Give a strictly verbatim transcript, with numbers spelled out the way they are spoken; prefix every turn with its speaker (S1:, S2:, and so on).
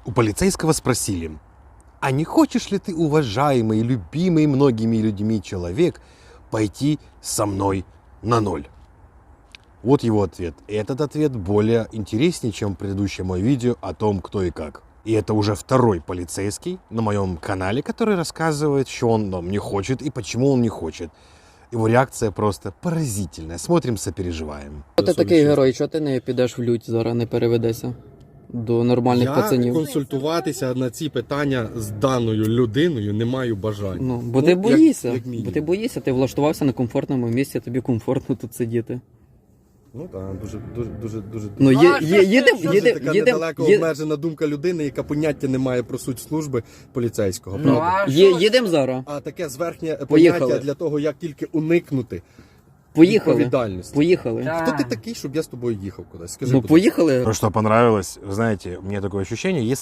S1: У полицейского спросили, а не хочешь ли ты, уважаемый, любимый многими людьми человек, пойти со мной на ноль? Вот его ответ. И этот ответ более интереснее, чем предыдущее мое видео о том, кто и как. И это уже второй полицейский на моем канале, который рассказывает, что он там не хочет и почему он не хочет. Его реакция просто поразительная. Смотрим, сопереживаем.
S2: Ти такий герой, чого ти не підеш в лють зараз, не переведешся до нормальних
S3: Я
S2: пацанів?
S3: консультуватися на ці питання з даною людиною не маю бажання.
S2: Ну, бо
S3: Ну,
S2: ти
S3: як-
S2: боїшся,
S3: як
S2: бо
S3: мінімум.
S2: ти боїшся, ти влаштувався на комфортному місці, тобі комфортно тут сидіти.
S3: Ну так, дуже, дуже, дуже, дуже.
S2: Ну, є, є, їдем,
S3: Дуже
S2: їдем,
S3: така
S2: їдем,
S3: недалеко
S2: є-
S3: обмежена думка людини, яка поняття не має про суть служби поліцейського.
S2: Ну,
S3: Правда?
S2: є, їдем зараз.
S3: А таке зверхнє
S2: Поїхали.
S3: поняття для того, як тільки уникнути
S2: Поїхали.
S3: відповідальності.
S2: Поїхали.
S3: Хто ти такий, щоб я з тобою їхав кудись? Скажи,
S2: Ну,
S3: будь ласка.
S2: поїхали.
S1: Ну что, понравилось? Вы знаете, у меня такое ощущение, если